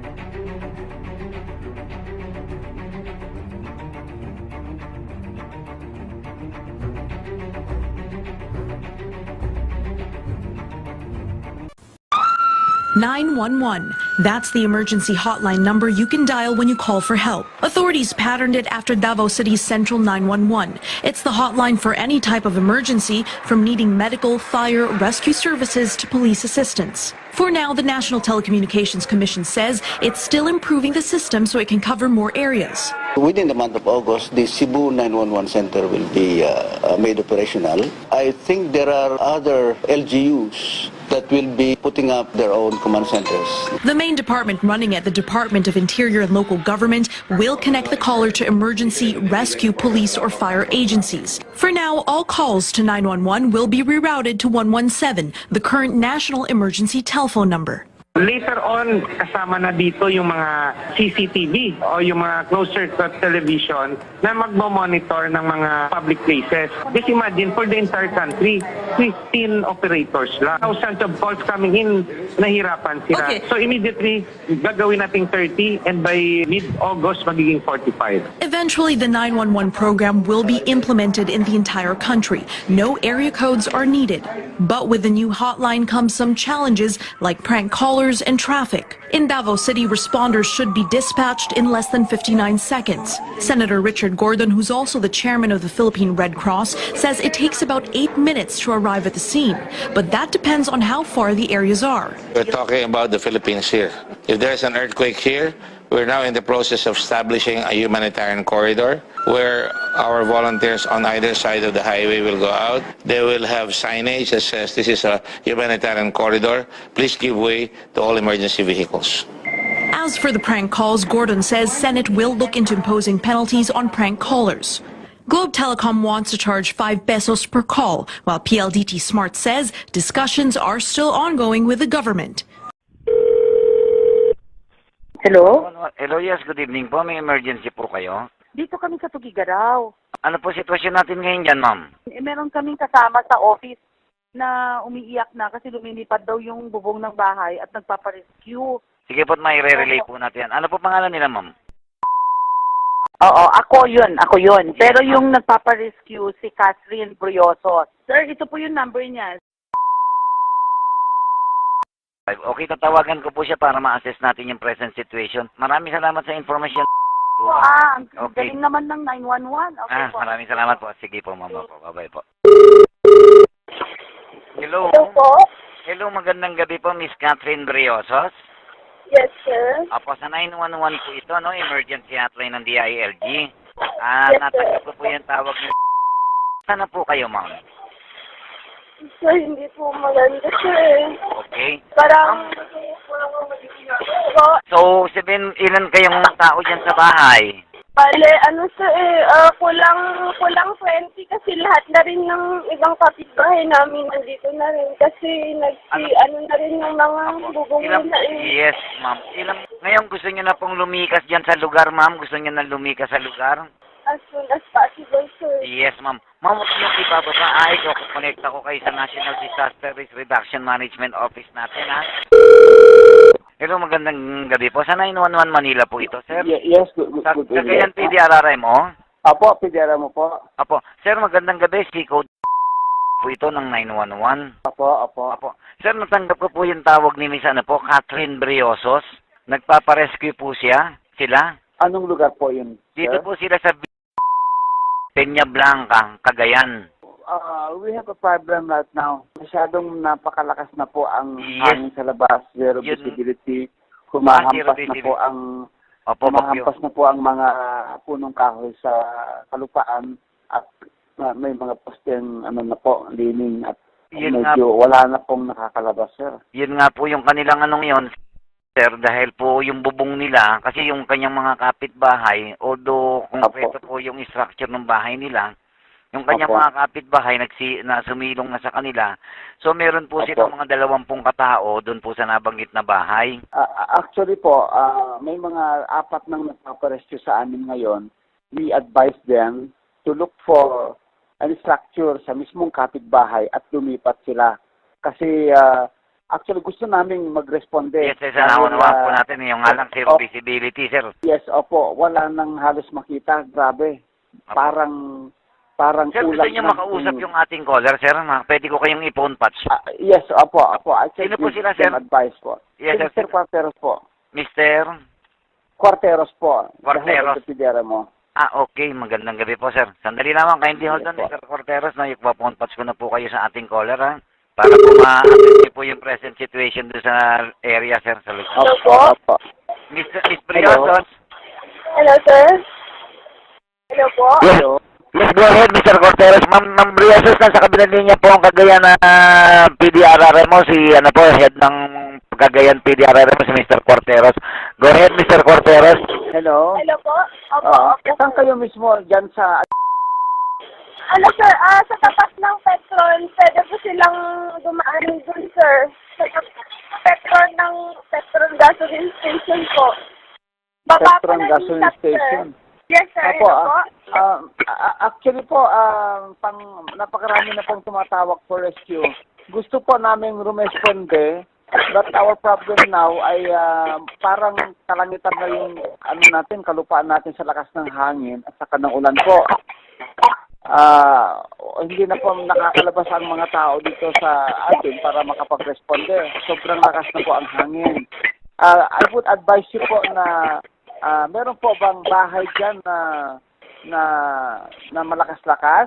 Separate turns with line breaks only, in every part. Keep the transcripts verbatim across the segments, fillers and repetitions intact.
nine one one. That's the emergency hotline number you can dial when you call for help. Authorities patterned it after Davao City's Central nine one one. It's the hotline for any type of emergency, from needing medical, fire, rescue services to police assistance. For now, the National Telecommunications Commission says it's still improving the system so it can cover more areas.
Within the month of August, the Cebu nine one one center will be uh, made operational. I think there are other L G Us that will be putting up their own command centers.
The main department running it, the Department of Interior and Local Government, will connect the caller to emergency, rescue, police, or fire agencies. For now, all calls to nine one one will be rerouted to one one seven, the current national emergency telephone number.
Later on, kasama na dito yung mga C C T V o yung mga closed circuit television na magmo-monitor ng mga public places. Just imagine, for the entire country, fifteen operators lang. Thousands of calls coming in, nahirapan sila.
Okay.
So immediately, gagawin natin thirty and by mid-August, magiging forty-five.
Eventually, the nine one one program will be implemented in the entire country. No area codes are needed. But with the new hotline comes some challenges like prank callers and traffic. In Davao City, responders should be dispatched in less than fifty-nine seconds. Senator Richard Gordon, who's also the chairman of the Philippine Red Cross, says it takes about eight minutes to arrive at the scene. But that depends on how far the areas are.
We're talking about the Philippines here. If there's an earthquake here, we're now in the process of establishing a humanitarian corridor where our volunteers on either side of the highway will go out. They will have signage that says this is a humanitarian corridor. Please give way to all emergency vehicles.
As for the prank calls, Gordon says Senate will look into imposing penalties on prank callers. Globe Telecom wants to charge five pesos per call, while P L D T Smart says discussions are still ongoing with the government.
Hello?
Hello, yes, good evening po. May emergency po kayo?
Dito kami sa Tugigaraw.
Ano po sitwasyon natin ngayon dyan, ma'am?
Eh, meron kaming kasama sa office na umiiyak na kasi lumilipad daw yung bubong ng bahay at nagpaparescue.
Sige po, may re-relay po natin. Ano po pangalan nila, ma'am?
Oo, ako yun, ako yun. Pero yung nagpaparescue si Catherine Brioso. Sir, ito po yung number niya.
Okay, tatawagan ko po siya para ma-assess natin yung present situation. Maraming salamat sa information.
Ah, ang
Okay.
galing naman ng nine one one. Okay
Ah,
po.
maraming salamat po. Sige po, ma'am. Po. Bye-bye po. Hello?
Hello po?
Hello, magandang gabi po, Miss Catherine Briosos.
Yes, sir.
Apo, sa nine one one po ito, no? Emergency hotline ng D I L G. Ah,
Yes, sir.
natanggap ko po yung tawag niyo. Sana po kayo, ma'am?
Sir, hindi po maganda, sir.
Okay.
Parang... Po,
So, sabihin, ilan kayong tao dyan sa bahay?
bale, ano sir, eh, ah, kulang, kulang twenty kasi lahat na rin ng ibang kapitbahay namin nandito na rin kasi nagsi, ano, na rin yung mga bubong
Ilang,
na eh.
yes, ma'am. Ilang, ngayon gusto niyo na pong lumikas dyan sa lugar, ma'am? Gusto niyo na lumikas sa lugar?
As soon as possible, sir.
Yes, ma'am. Ma'am, huwag niyo ibababa. Ay, ko, connect ako kayo sa National Disaster Risk Reduction Management Office natin, ha? Hello, magandang gabi po. Sa nine one one Manila po ito, sir.
Ye- Yes, good, good,
Sa
good
Cagayan
evening.
P D R R M, oh.
Apo, pidera mo po.
Apo. Sir, magandang gabi. Si code po ito ng nine one one.
Apo, apo.
Apo. Sir, natanggap ko po yung tawag ni Miss ano po, Catherine Briosos. Nagpaparescue po siya. Sila.
Anong lugar po yun,
Dito
sir?
po sila sa Peña Blanca, Cagayan.
Uh, we have a problem right now. Masyadong napakalakas na po ang
Yes.
hangin sa labas. Zero
Yun.
visibility.
Ah,
Humahampas
zero
na
visibility.
po ang
Opo, bagyo.
humahampas na po ang mga punong kahoy sa kalupaan at uh, may mga posteng ano na po, lining at
Yun nga,
medyo wala na pong nakakalabas, sir.
yun nga po yung kanilang anong yon, sir, dahil po yung bubong nila, kasi yung kanyang mga kapitbahay, although konkreto po yung structure ng bahay nila, yung kanyang
Opo.
mga kapitbahay nagsi, na sumilong na sa kanila. So meron po
Opo.
silang mga dalawampung katao doon po sa nabanggit na bahay.
Uh, actually po, uh, may mga apat nang nagpaparescue sa amin ngayon. We advise them to look for any structure sa mismong kapitbahay at lumipat sila. Kasi uh,
actually gusto naming mag-responde.
Yes, sir, sa
Dahil,
naunawaan po
ah,
natin yung nga lang sir,
oh,
visibility, sir.
yes, opo, wala nang halos makita, grabe. Parang, parang
Sir, gusto
kulang
niyo
na
makausap yung ating caller, sir? Ma- Pwede ko kayong i-phone patch.
Ah, yes, opo, opo. I can
Sino po
give
sila,
them
sir?
advice po.
Yes,
Si
sir.
Mister Quarteros po.
Mister?
Quarteros po.
Quarteros.
The head of the mo.
Ah, okay. Magandang gabi po, sir. Sandali lamang, kindly hold on,
Yes, po.
Mister Corteros. No, ipa-phone patch ko na po kayo sa ating caller, ha? Para po ma-assess niyo po yung present situation doon sa area, sir, sa lugar.
Hello
Opo,
po?
opo.
Mister Miss Briosos?
Hello, sir? Hello po?
Yes.
Hello.
Yes, go ahead, Mister Corteros. Ma'am, Ma'am Briosos, nasa kabilang linya po ang Cagayan na P D R R M mo, si, ano po, head ng Cagayan P D R R M mo, si Mister Corteros. Go ahead, Mister Corteros.
Hello.
Hello po? Opo,
Oo.
opo.
Saan kayo mismo dyan sa...
Ano, sir? Ah, sa tapat ng Petron, pwede po silang dumaan dun, sir. Sa tapat ng Petron ng Petron Gasoline Station po. Baba po
Petron
ng
Gasoline
Isap, sir.
Station?
Yes, sir.
Opo,
Hello po?
ah, ah, ah, actually po, ah, pang, napakarami na pong tumatawag for rescue. Gusto po namin rumesponde, but our problem now ay ah, parang kalangitan na yung ano natin, kalupaan natin sa lakas ng hangin at saka ng ulan po. Ah, hindi na po nakakalabas ang mga tao dito sa atin para makapag-responde. Sobrang lakas na po ang hangin. Ah, I would advise you po na ah, meron po bang bahay dyan na na na malakas-lakas?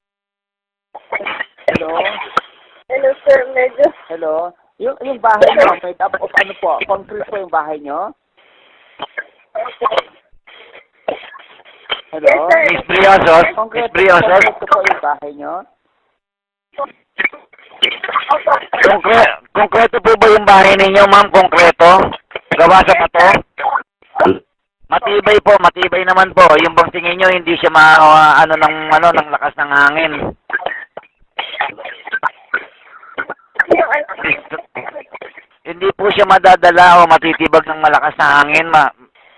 Hello?
Hello, sir. Medyo...
Hello? Yung, yung bahay nyo, made up of ano po? Concrete po yung bahay nyo? Hello?
Yes, sir.
Miss Briosos? Miss
Concrete,
Briosos?
concrete po yung bahay nyo?
Opo.
Konkre konkreto po ba yung bahay ninyo, ma'am? Konkreto? Gawa sa bato? Matibay po, matibay naman po. Yung bang tingin nyo, hindi siya ma, uh, ano, ng, ano, ng lakas ng hangin.
Yung ano...
Hindi po siya madadala o matitibag ng malakas na hangin, ma.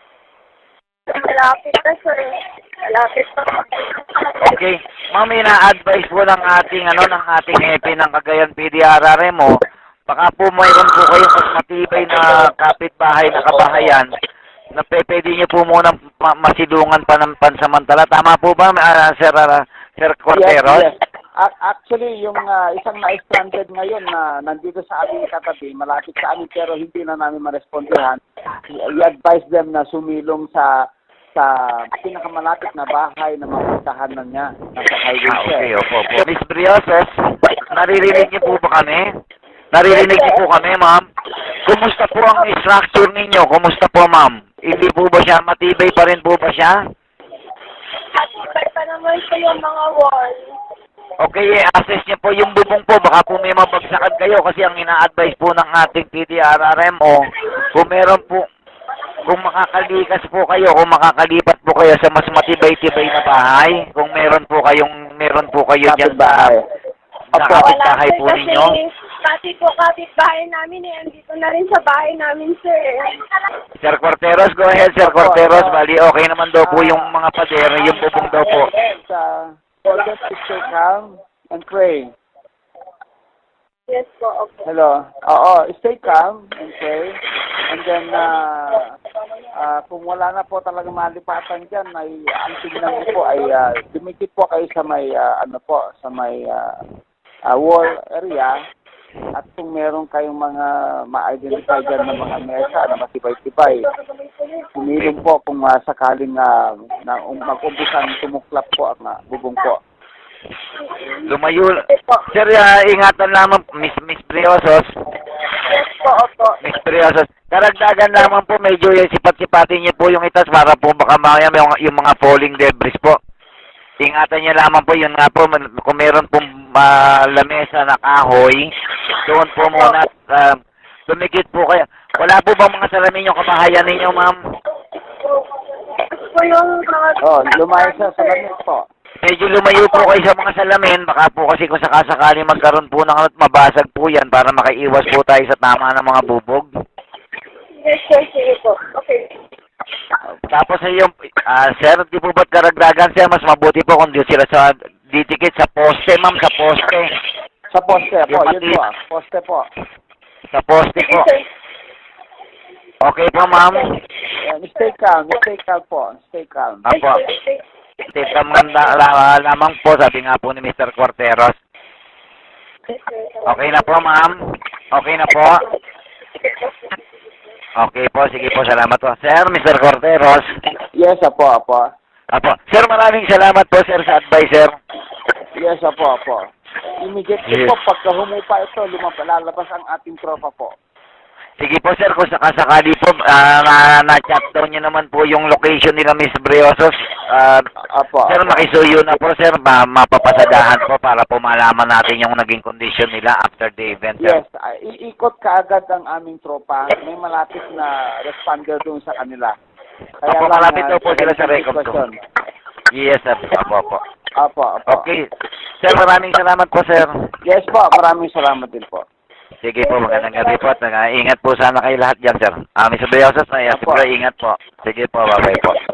Malapit na, sir. Malapit na.
Okay. Ma'am, ina-advise po ng ating, ano, ng ating E P ng Cagayan P D R R M mo, baka po mayroon po kayong mas matibay na kapitbahay na kabahayan na pe- pwede niyo po muna ma- masilungan pa ng pansamantala. Tama po ba, uh, Sir, uh, Sir Corteros?
Yes, yes. A- actually, yung ah, isang na-stranded ngayon na nandito sa aming katabi, malapit sa amin pero hindi na namin marespondihan, i-advise them na sumilong sa sa pinakamalapit na bahay na mapuntahan na niya. Nasa highway
Ah,
siya.
okay, opo, opo. Miss Briosos, naririnig niyo po ba kami? Naririnig niyo po kami, ma'am? Kumusta po ang structure ninyo? Kumusta po, ma'am? Hindi po ba siya? Matibay pa rin po ba siya?
Matibay pa naman po yung mga wall.
Okay, i-assess niyo po yung bubong po. Baka po may mabagsakan kayo kasi ang ina-advise po ng ating P D R R M o kung meron po, kung makakalikas po kayo, kung makakalipat po kayo sa mas matibay-tibay na bahay, kung meron po kayong, meron po kayo dyan sa,
Kapitbahay.
sa kapitbahay po
kasi
ninyo.
pati po kapitbahay namin eh. Andito na rin sa bahay namin, sir.
Sir Corteros, go ahead, Sir Corteros. Bali, okay naman daw po yung mga pader, yung bubong daw po.
Uh, for them to stay calm and pray.
Yes po, okay.
Hello. Oo, stay calm and pray. And then, uh, uh, kung wala na po talaga malipatan dyan, ay ang tingnan niyo po ay uh, dumikit po kayo sa may, uh, ano po, sa may uh, uh, wall area. At kung meron kayong mga ma-identify dyan ng mga mesa na matibay-tibay, humilong po kung uh, sakaling uh, na um, mag-umpisan tumuklap po ang uh, bubong po.
Lumayo. Sir, uh, ingatan lamang, Miss Miss Briosos.
Yes po, opo.
Miss Briosos. Karagdagan lamang po, medyo yung sipat-sipatin niyo po yung itas para po baka mamaya yung, yung mga falling debris po. Ingatan niyo lamang po, yun nga po, kung meron pong uh, lamesa na kahoy, doon po muna, uh, tumikit po kayo. Wala po bang mga salamin yung kabahayan ninyo, ma'am?
Po yung mga...
Oh, lumayo sa salamin po.
Medyo lumayo po kayo sa mga salamin, baka po kasi kung sakasakali magkaroon po ng ano't mabasag po yan para makaiwas po tayo sa tama ng mga bubog.
Yes, sir, sige po. Okay.
Tapos ay yung, ah, sir, di po ba't karagdagan, sir, mas mabuti po kung di sila sa, ditikit sa poste, ma'am, sa poste.
Sa poste po,
Yung
yun po, ah, poste po.
Sa poste
Sige,
po.
sir.
Okay po, ma'am.
Yan, stay calm, stay calm po, stay calm.
Apo. Stay calm nga la- lamang po, sabi nga po ni Mister Corteros. Okay na po, ma'am. Okay na po. Okay po, sige po, salamat po. Sir, Mister Corteros.
Yes, apo, apo.
Apo. Sir, maraming salamat po, sir, sa advice, sir.
Yes, apo, apo. Immediately
Yes.
po, pagka humupa ito, lumabas, lalabas ang ating tropa po.
Sige po, sir, kung sakasakali po, ah, na, na-chat down niyo naman po yung location nila, Miss Briosos. Ah,
Apo,
sir,
apo.
makisuyo na po, sir, ma mapapasadahan po para po malaman natin yung naging condition nila after the event, sir.
Yes, ah, iikot kaagad ang aming tropa. May malapit na responder doon sa kanila.
Apo,
lang,
malapit
ah,
daw po sila sa
ganitong
record
sitwasyon.
Yes, sir. Apo, apo.
Apo, apo.
Okay. Sir, maraming salamat po, sir.
Yes po, maraming salamat din po.
Sige po, magandang gabi po. At, uh, ingat po sana kayo lahat dyan, sir. Ah, Miss Briosos, ay,
Apo.
ingat po. Sige po, bye-bye po.